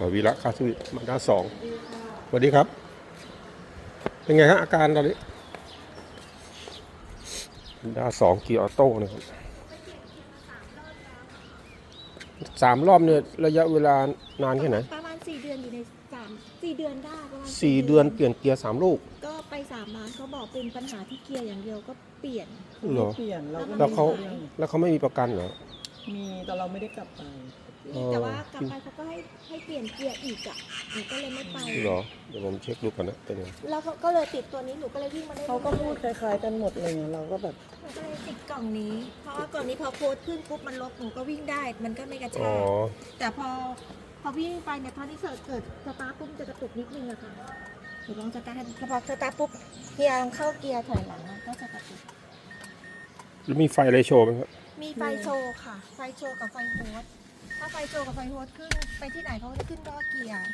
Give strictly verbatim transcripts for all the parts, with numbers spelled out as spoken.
วีระคาสวิทมาด้าสองสวัสดีครับเป็นไงฮะอาการตอนนี้มาด้าสองเกียร์ออโต้นะครับสามรอบเนี่ยระยะเวลานานแค่ไหนประมาณสี่เดือนอยู่ในสามสี่เดือนได้ประมาณสี่เดือนเปลี่ยนเกียร์สามลูกก็ไปสามร้านเขาบอกเป็นปัญหาที่เกียร์อย่างเดียวก็เปลี่ยนเหรอเปลี่ยนเราก็แล้วเขาไม่ได้แล้วเขาไม่มีประกันเหรอมีแต่เราไม่ได้กลับไปมีแต่ว่ากลับไปเขาก็ให้ให้เปลี่ยนเกียร์อีกอ่ะหนูก็เลยไม่ไปเหรอเดี๋ยวผมเช็คดูก่อนนะเป็นไงแล้วก็เลยติดตัวนี้หนูก็เลยวิ่งมาได้เขาก็พูดคล้ายๆกันหมดเลยเราก็แบบหนูก็เลยติดกล่องนี้เพราะว่ากล่องนี้พอโพสต์ขึ้นปุ๊บมันลบหนูก็วิ่งได้มันก็ไม่กระชากแต่พอพอวิ่งไปเนี่ยตอนที่เสิร์ชเกิดสตาร์ทปุ๊บจะกระตุกนิดนึงอะค่ะหนูลองสตาร์ทให้พอสตาร์ทปุ๊บเกียร์เข้าเกียร์ถอยหลังก็จะกระตุกแล้วมีไฟอะไรโชว์ไหมครับมีไฟโชว์ค่ะไฟโชว์กับไฟโฮสถ้าไฟโชว์กับไฟโฮสขึ้นไปที่ไหนเขาจะขึ้นล้อเกียร์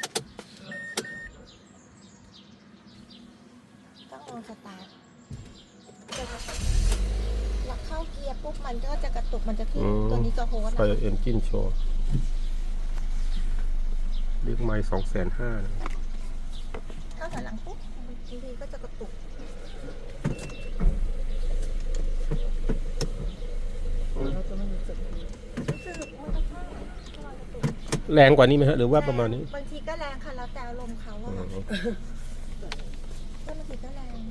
ต้องลองสตาร์ทหลักเข้าเกียร์ปุ๊บมันก็จะกระตุกมันจะขึ้นตัวนี้จะโฮสไฟเอนจินโชว์เรียกไม้สองแสนห้าถ้าถอยหลังปุ๊บบางทีก็จะกระตุกเราจะไม่รู้สึกรู้สึกมันกระชากแรงกว่านี้ไหมฮะหรือว่าประมาณนี้บางทีก็แรงค่ะแล้วแต่อารมณ์เขาอะค่ะก็บางทีก็แรง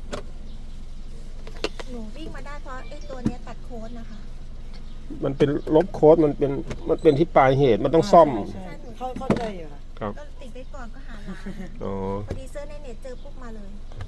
หนูวิ่งมาได้เพราะไอ้ตัวนี้ตัดโค้ดนะคะมันเป็นลบโค้ดมันเป็นมันเป็นที่ปลายเหตุมันต้องซ่อมเข้าเข้าใจอยู่ค่ะครับก็ติดไว้ก่อนก็หาร้านอ๋อพอดีเซิร์ชในเน็ตเจอปุ๊บมาเลย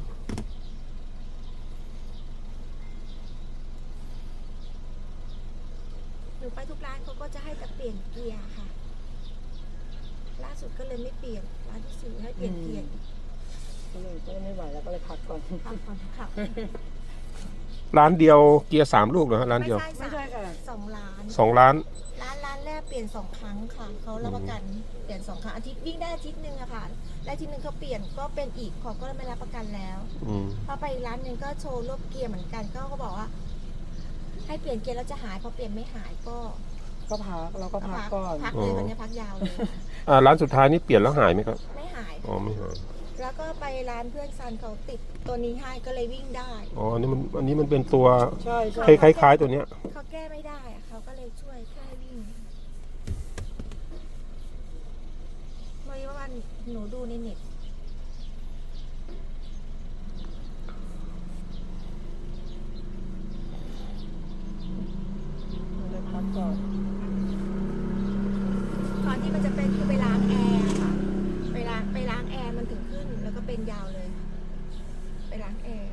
หนูไปทุกร้านเขาก็จะให้แต่เปลี่ยนเกียร์ค่ะล่าสุดก็เลยไม่เปลี่ยนร้านที่สี่ให้เปลี่ยนเกียร์ก็เลยก็ไม่ไหวแล้วก็เลยพักก่อนพักก่อนค่ะร้านเดียวเกียร์สามลูกเหรอร้านเดียวไม่ใช่ค่ะสองร้านสองร้านร้านร้านแรกเปลี่ยนสองครั้งค่ะเขารับประกันเปลี่ยนสองครั้งอาทิตย์วิ่งได้อาทิตย์นึงอะค่ะและอาทิตย์นึงเขาเปลี่ยนก็เป็นอีกเขาก็ไม่รับประกันแล้วพอไปร้านนึงก็โชว์รถเกียร์เหมือนกันก็เขาบอกว่าให้เปลี่ยนเกียร์แล้วจะหายพอเปลี่ยนไม่หายก็ก็พักเราก็พักก่อนพักเลยวันนี้พักยาวเลยอ่าร้านสุดท้ายนี่เปลี่ยนแล้วหายไหมครับไม่หายอ๋อไม่หายแล้วก็ไปร้านเพื่อนซันเขาติดตัวนี้ให้ก็เลยวิ่งได้อ๋ออันนี้มันอันนี้มันเป็นตัวใช่ใช่คล้ายๆตัวเนี้ยเขาแก้ไม่ได้เขาก็เลยช่วยแค่วิ่งเมื่อวันหนูดูในเน็ตเลยพักก่อนตอนที่มันจะเป็นคือไปล้างแอร์ค่ะไปล้างไปล้างแอร์มันถึงขึ้นแล้วก็เป็นยาวเลยไปล้างแอร์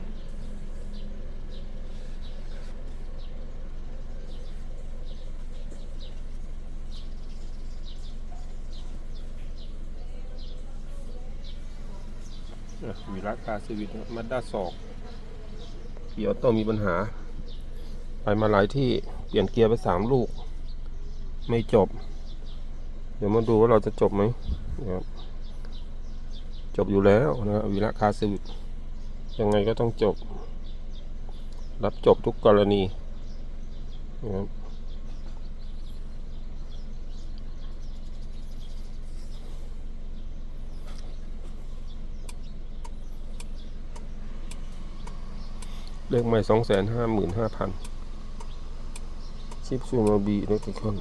วีระคาสวิทมาด้าสองเกียร์ต้องมีปัญหาไปมาหลายที่เปลี่ยนเกียร์ไปสามลูกไม่จบเดี๋ยวมาดูว่าเราจะจบไหมนะครับจบอยู่แล้วนะวีระคาสวิทยังไงก็ต้องจบรับจบทุกกรณีนะครับเลขใหม่สองแสนห้าหมื่นห้าพันชิปซูมาบีเล็กคอน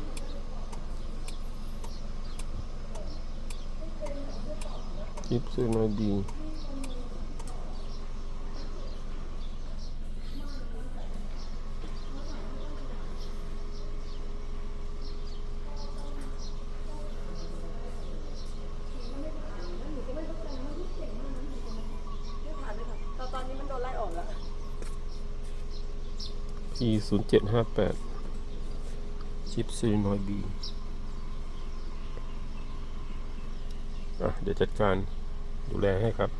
ชิปซูมาบีตอนนี้มันโดนไล่ออกแล้วพีศูนย์เจ็ดห้าแปดชิปซูมาบีอ่ะเดี๋ยวจัดการดูแลให้ครับ